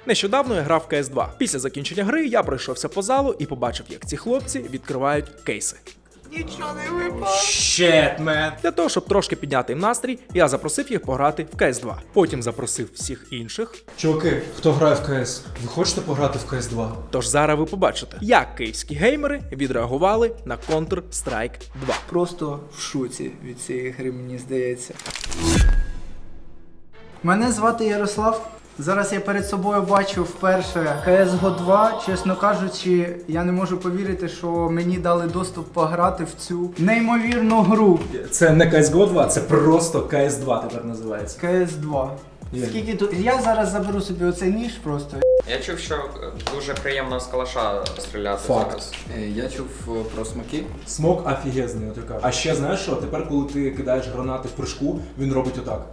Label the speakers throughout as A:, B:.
A: Нещодавно я грав в CS2. Після закінчення гри я пройшовся по залу і побачив, як ці хлопці відкривають кейси.
B: Нічого не випало.
A: Shit, man. Для того, щоб трошки підняти їм настрій, я запросив їх пограти в CS2. Потім запросив всіх інших.
C: Чуваки, хто грає в CS, ви хочете пограти в CS2?
A: Тож зараз ви побачите, як київські геймери відреагували на Counter-Strike 2.
B: Просто в шоці від цієї гри, мені здається. Мене звати Ярослав. Зараз я перед собою бачу вперше CSGO 2. Чесно кажучи, я не можу повірити, що мені дали доступ пограти в цю неймовірну гру.
C: Це не CSGO 2, це просто CS2 тепер називається.
B: CS2.
C: Є.
B: Скільки тут? Я зараз заберу собі оцей ніж просто.
D: Я чув, що дуже приємно з калаша стріляти
C: Факт.
D: зараз.
E: Я чув про смаки.
C: Смок офігезний, отака. А ще знаєш що, тепер коли ти кидаєш гранати в прыжку, він робить отак.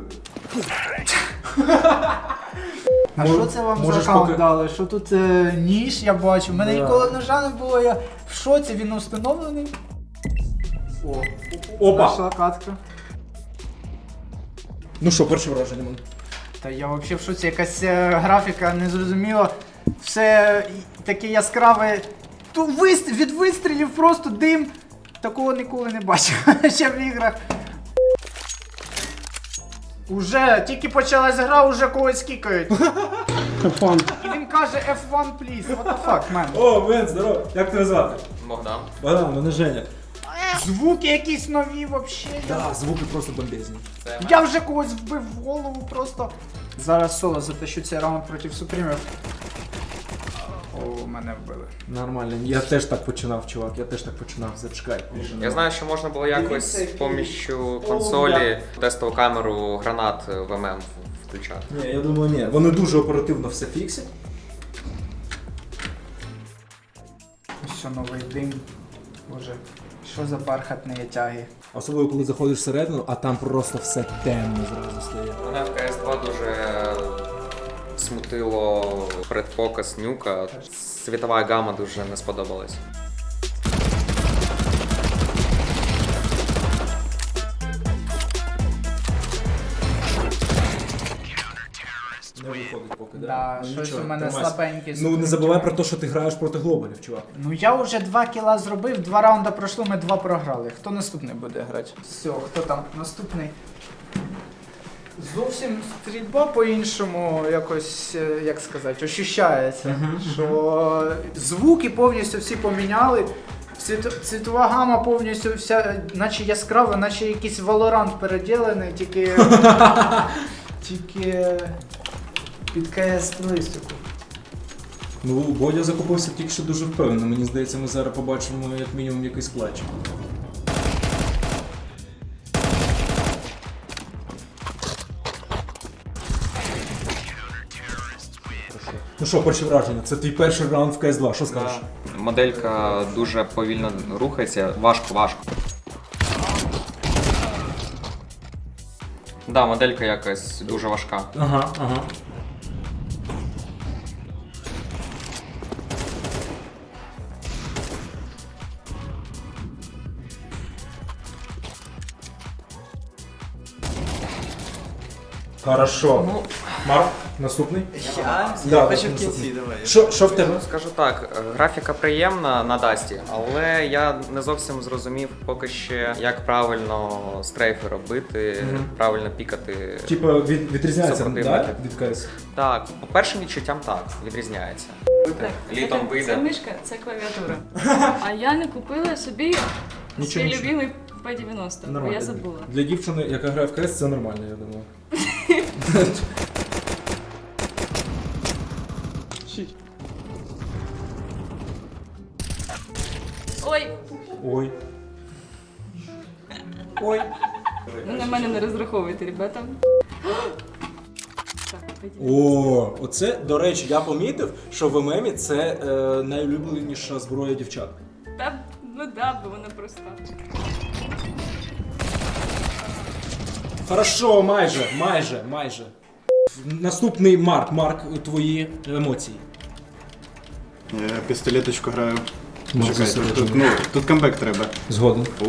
B: А що це вам за
C: можеш
B: аккаунт
C: поки-
B: дали? Що тут ніж я бачу? У мене
C: Да.
B: ніколи ножа не було, я в шоці, він установлений. О,
C: Опа!
B: зайшла катка.
C: Ну що, перше враження, man?
B: Та я взагалі в шоці, якась графіка незрозуміла. Все таке яскраве. Від вистрілів просто дим. Такого ніколи не бачив ще в іграх. Уже тільки почалась гра, уже когось кікають. І він каже F1 please. What the fuck, man?
C: О, Вен, здорово! Як тебе звати?
D: Богдан.
C: Богдан, мене Женя.
B: Звуки якісь нові вообще.
C: Да, звуки просто бомбезні.
D: Це
B: Я вже когось вбив в голову просто. Зараз соло затащу цей раунд проти супрімів. О, мене вбили.
C: Нормально, я теж так починав, чувак, я теж так починав, зачекай.
D: Я знаю, що можна було якось з поміччю консолі тестову камеру гранат в ММ включати.
C: Ні, я думаю, ні. Вони дуже оперативно все фіксять.
B: Що новий дим. Боже, що за бархатні тяги.
C: Особливо, коли заходиш всередину, а там просто все темно зразу стає.
D: Мене в CS2 дуже смутило предпоказ нюка. Світова гама дуже не сподобалась.
C: Не виходить поки,
B: Да,
C: Ну,
B: щось
C: нічого,
B: у мене
C: тримайся.
B: слабенький.
C: Ну не забувай про те, що ти граєш проти глобалів, чувак.
B: Ну я вже 2 кіла зробив, 2 раунди пройшло, ми 2 програли. Хто наступний буде грати? Все, хто там наступний? Зовсім стрільба по-іншому якось, як сказати, ощущається. Що звуки повністю всі поміняли. Цвітова гама повністю вся, наче яскрава, наче якийсь Valorant переділений, тільки під CS-стилістику.
C: Ну, Бодя закупився тільки що дуже впевнено. Мені здається, ми зараз побачимо як мінімум якийсь клатч. Ну що, перше враження? Це твій перший раунд в CS2, що скажеш?
D: Моделька дуже повільно рухається, важко. Да, моделька якась дуже важка.
C: Ага. Хорошо.
D: Ну,
C: Марк, наступний?
E: Я
C: Да,
E: хочу в
C: наступний.
E: кінці, давай.
C: Що в тебе?
D: скажу так, графіка приємна на Дасті, але я не зовсім зрозумів поки ще, як правильно стрейфи робити, правильно пікати.
C: Типа відрізняється
D: Супротивники.
C: да, від CS?
D: Так, по першим відчуттям так, відрізняється. Літом
F: Це
D: вийде.
F: мишка, це клавіатура. А я не купила собі свій
C: Нічого.
F: любимий P90, бо я забула.
C: Для дівчини, яка грає в CS, це нормально, я думаю.
F: Ой,
C: Ой. Ой.
F: ну на мене не розраховуйте, ребята. Так, P90.
C: О, оце, до речі, я помітив, що в ММі це найулюбленіша зброя дівчат.
F: Та, ну да, бо вона проста.
C: Хорошо, майже. Наступний Марк, твої емоції.
E: Я пістолеточку граю.
C: Ну,
E: Чекайте,
C: зосереджено.
E: тут камбек треба.
C: Згоден.
E: О,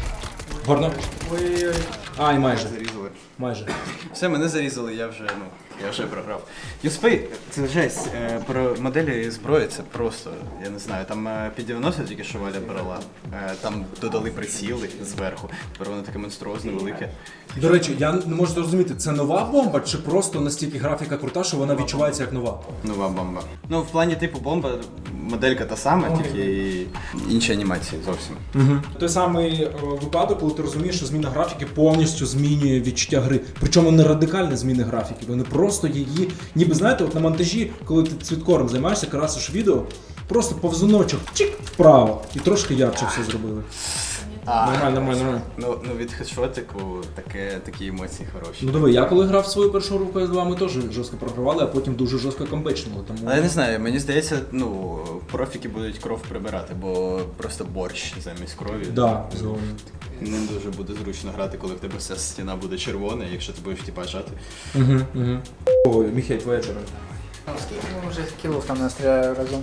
C: Горно.
B: Ой-ой-ой.
C: Ай, майже.
E: зарізали.
C: Майже.
E: Все, мене зарізали, я вже, Я вже програв. USP — це жесть. Про моделі зброї це просто, я не знаю, там під 90 тільки що Валя брала. Там додали приціли зверху. Тепер воно таке монструозне, велике.
C: До речі, я не можу зрозуміти, це нова бомба чи просто настільки графіка крута, що вона відчувається як нова?
E: Нова бомба. Ну, в плані типу бомба, моделька та сама, тільки інші анімації зовсім.
C: Той самий випадок, коли ти розумієш, що зміна графіки повністю змінює відчуття гри. Причому не радикальні зміни графіки, вони просто її, ніби знаєте, от на монтажі, коли ти цвіткором займаєшся, красиш відео, просто повзуночок чик вправо і трошки ярче все зробили. Нормально.
E: Ну від хедшотику такі емоції хороші.
C: Ну диви, я коли грав свою першу руку PS2, ми теж жорстко програвали, а потім дуже жорстко камбечнули. Тому...
E: Але я не знаю, мені здається, ну, профіки будуть кров прибирати, бо просто борщ замість крові.
C: Да, згодом.
E: Не дуже буде зручно грати, коли в тебе вся стіна буде червона, якщо ти будеш типа жати.
C: Ой, Міхей, твоя черга.
B: Скільки ми вже кілов там настріляли разом?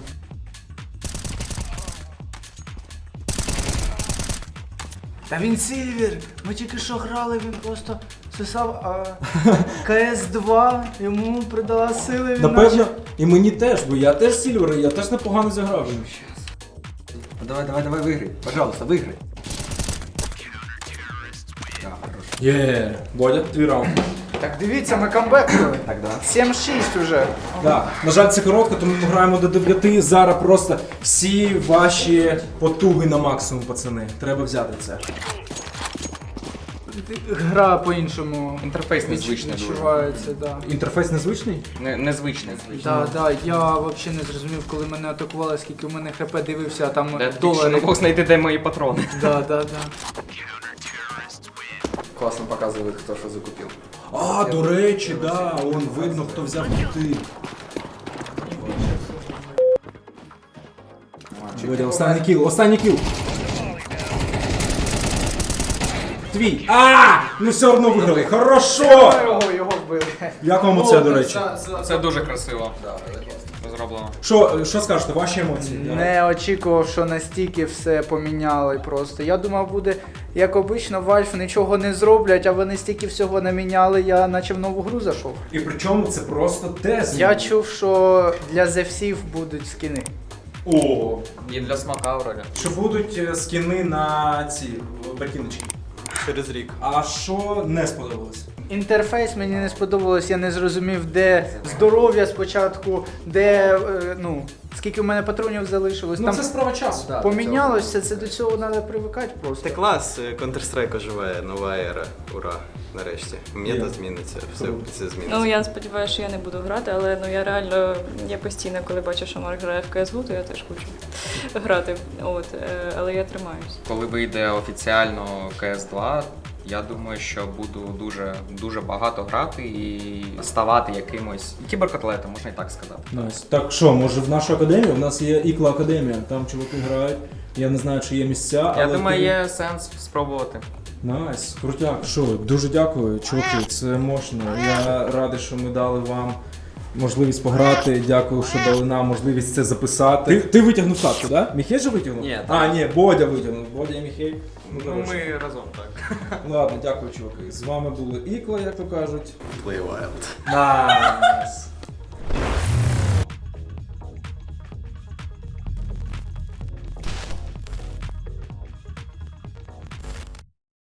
B: Та він Сильвер! Ми тільки що грали, він просто сосав, а КС-2 йому придала сили, він
C: Напевно, і мені теж, бо я теж Сільвер, і я теж непогано зіграв.
G: Давай, виграй. Пожалуйста, виграй.
C: Є, Бодя, твій раунд.
B: Так дивіться, ми камбекнули.
G: Так, да.
B: 7-6 уже.
C: Да. На жаль, це коротко, тому ми граємо до 9. Зараз просто всі ваші потуги на максимум, пацани. Треба взяти це.
B: Гра по-іншому.
D: Інтерфейс незвичний дуже.
B: відчувається, да.
C: Інтерфейс незвичний?
D: Незвичний.
B: Да, я взагалі не зрозумів, коли мене атакували, скільки в мене хп дивився, а там
D: Де тільки що
B: долари.
D: не мог знайти, де мої патрони.
B: Да.
G: Класно показує, хто що закупив.
C: А, до речі, да, он видно, хто взяв кути. Бодя, останній кіл. Твій. Ну все одно виграли. Хорошо!
B: Його вбили.
C: Як вам оце, до речі?
D: Це дуже красиво. Зроблено.
C: Що скажете, ваші емоції?
B: Не очікував, що настільки все поміняли просто. Я думав, буде, як обично, Valve нічого не зроблять, а вони стільки всього наміняли, я наче в нову гру зайшов.
C: І причому це просто тест.
B: Я чув, що для зевсів будуть скини.
C: О,
D: І для смака вроді.
C: що будуть скини на ці ботиночки.
E: Через рік.
C: А що не сподобалось?
B: Інтерфейс мені не сподобалось, я не зрозумів, де здоров'я спочатку, де, скільки в мене патронів залишилось.
C: Ну
B: Там
C: це справа часу.
B: помінялося, це до цього треба привикати просто.
E: Це клас, Counter-Strike оживає, нова ера. Ура, нарешті. Мета зміниться, все зміниться.
F: Ну я сподіваюся, що я не буду грати, але я реально постійно, коли бачу, що Марк грає в CSGO, то я теж хочу грати. Але я тримаюсь.
D: Коли вийде офіціально CS2, я думаю, що буду дуже багато грати і ставати якимось кіберкотлетом, можна і так сказати.
C: Найс. Так що, може в нашу академію? У нас є Ікла Академія, там чуваки грають. Я не знаю, чи є місця,
D: Я
C: але...
D: думаю, є сенс спробувати.
C: Найс, крутяк. Що, дуже дякую, чуваки, це мощно. Я радий, що ми дали вам можливість пограти. Дякую, що дали нам можливість це записати. Ти витягнув катку, так? Да? Міхей же витягнув?
D: Ні,
C: Ні, Бодя витягнув. Бодя і Міхей.
D: Ну ми разом так.
C: Ладно, дякую, чуваки. З вами були Ікла, як то кажуть.
E: Play Wild.
C: Найс.